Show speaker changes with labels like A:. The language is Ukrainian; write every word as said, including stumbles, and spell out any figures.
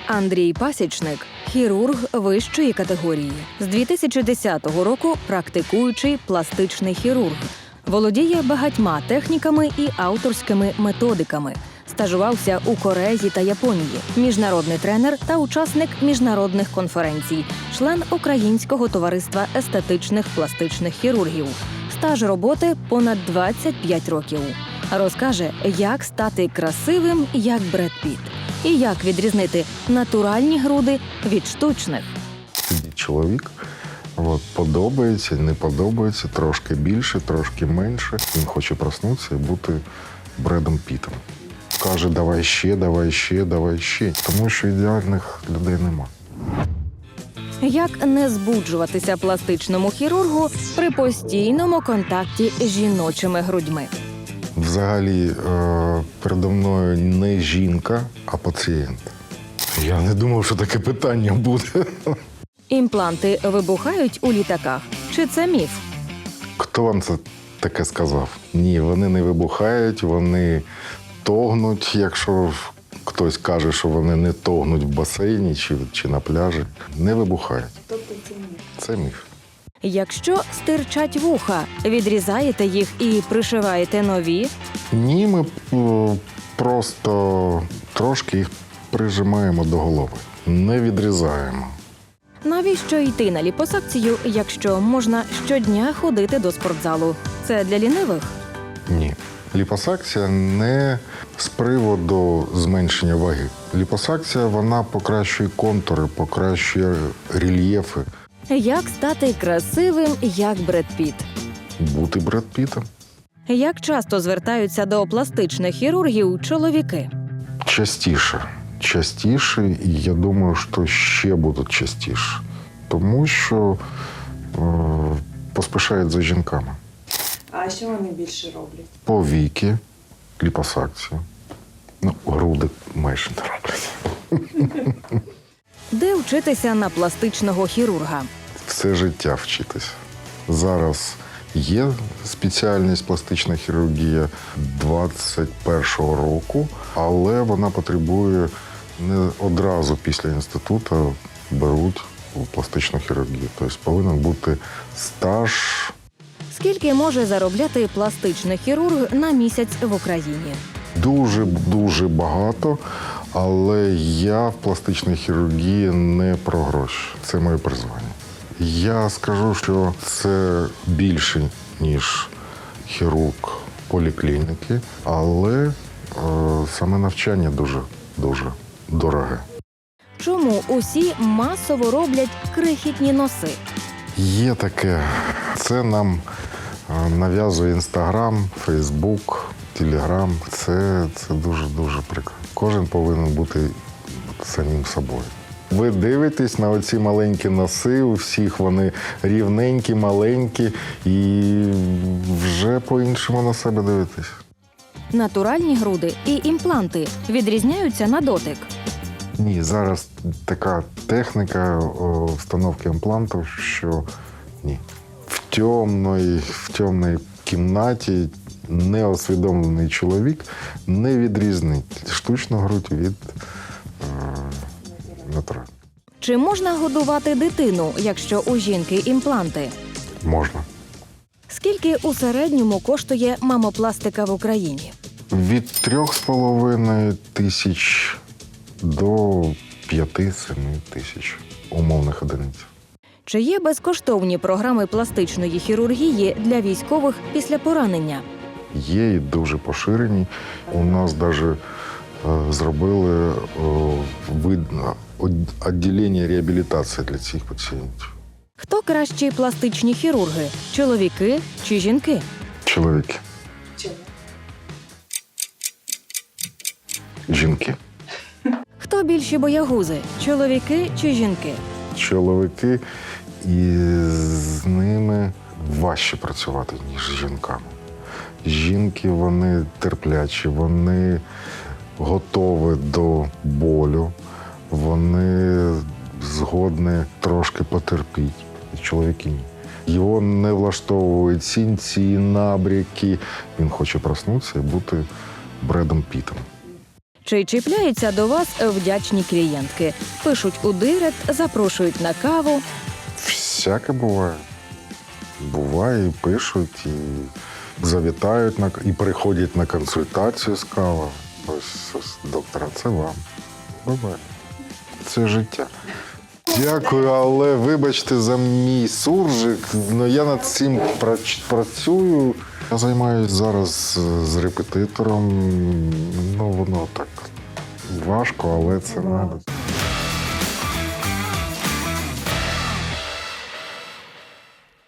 A: Андрій Пасічник – хірург вищої категорії. З дві тисячі десятого року практикуючий пластичний хірург. Володіє багатьма техніками і авторськими методиками. Стажувався у Кореї та Японії. Міжнародний тренер та учасник міжнародних конференцій. Член Українського товариства естетичних пластичних хірургів. Стаж роботи – понад двадцять п'ять років. Розкаже, як стати красивим, як Бред Піт. І як відрізнити натуральні груди від штучних.
B: Чоловік от, подобається, не подобається, трошки більше, трошки менше. Він хоче проснутися і бути Бредом Пітом. Каже, давай ще, давай ще, давай ще. Тому що ідеальних людей нема.
A: Як не збуджуватися пластичному хірургу при постійному контакті з жіночими грудьми?
B: Взагалі, е, передо мною не жінка, а пацієнт. Я не думав, що таке питання буде.
A: Імпланти вибухають у літаках? Чи це міф?
B: Хто вам це таке сказав? Ні, вони не вибухають, вони тогнуть, якщо хтось каже, що вони не тогнуть в басейні чи, чи на пляжі. Не вибухають.
C: Тобто це міф?
B: Це міф.
A: Якщо стирчать вуха, відрізаєте їх і пришиваєте нові?
B: Ні, ми е, просто трошки їх прижимаємо до голови. Не відрізаємо.
A: Навіщо йти на ліпосакцію, якщо можна щодня ходити до спортзалу? Це для лінивих?
B: Ні. Ліпосакція не з приводу зменшення ваги. Ліпосакція, вона покращує контури, покращує рельєфи.
A: Як стати красивим, як Бред Піт?
B: Бути Бред Пітом.
A: Як часто звертаються до пластичних хірургів чоловіки?
B: Частіше. Частіше, і я думаю, що ще будуть частіше. Тому що е, поспішають за жінками.
C: А що вони більше роблять?
B: Повіки, ліпосакцію. Ну, груди майже не роблять.
A: Де вчитися на пластичного хірурга?
B: Все життя вчитися. Зараз є спеціальність пластична хірургія двадцять першого року, але вона потребує не одразу після інституту беруть у пластичну хірургію. Тобто повинен бути стаж.
A: Скільки може заробляти пластичний хірург на місяць в Україні?
B: Дуже-дуже багато, але я в пластичній хірургії не про гроші. Це моє призвання. Я скажу, що це більше, ніж хірург поліклініки, але е, саме навчання дуже-дуже дороге.
A: Чому усі масово роблять крихітні носи?
B: Є таке. Це нам е, нав'язує Інстаграм, Фейсбук, Телеграм. Це, це дуже-дуже прикро. Кожен повинен бути самим собою. Ви дивитесь на оці маленькі носи, у всіх вони рівненькі, маленькі, і вже по-іншому на себе дивитесь.
A: Натуральні груди і імпланти відрізняються на дотик.
B: Ні, зараз така техніка о, встановки імплантів, що ні. В темної, в темній кімнаті неосвідомлений чоловік не відрізнить штучну грудь від е, натуральної.
A: Чи можна годувати дитину, якщо у жінки імпланти?
B: Можна.
A: Скільки у середньому коштує мамопластика в Україні?
B: Від трьох з половиною тисяч до п'яти-семи тисяч умовних одиниць.
A: Чи є безкоштовні програми пластичної хірургії для військових після поранення?
B: Є і дуже поширені. У нас навіть зробили відділення реабілітації для цих пацієнтів.
A: Хто кращі пластичні хірурги – чоловіки чи жінки?
B: Чоловіки.
C: Чому?
B: Жінки.
A: Хто більші боягузи – чоловіки чи жінки?
B: Чоловіки, і з ними важче працювати, ніж з жінками. Жінки, вони терплячі, вони готові до болю, вони згодні трошки потерпіти. Чоловіки ні. Його не влаштовують сінці, набряки. Він хоче проснутися і бути Бредом Пітом.
A: Чи чіпляються до вас вдячні клієнтки? Пишуть у директ, запрошують на каву.
B: Всяке буває. Буває, і пишуть, і завітають, на, і приходять на консультацію з кавою. Ось, ось доктора, це вам. Буває. Це життя. Дякую, але вибачте за мій суржик, але я над цим прач- працюю. Я займаюся зараз з репетитором. Ну, воно так важко, але це треба.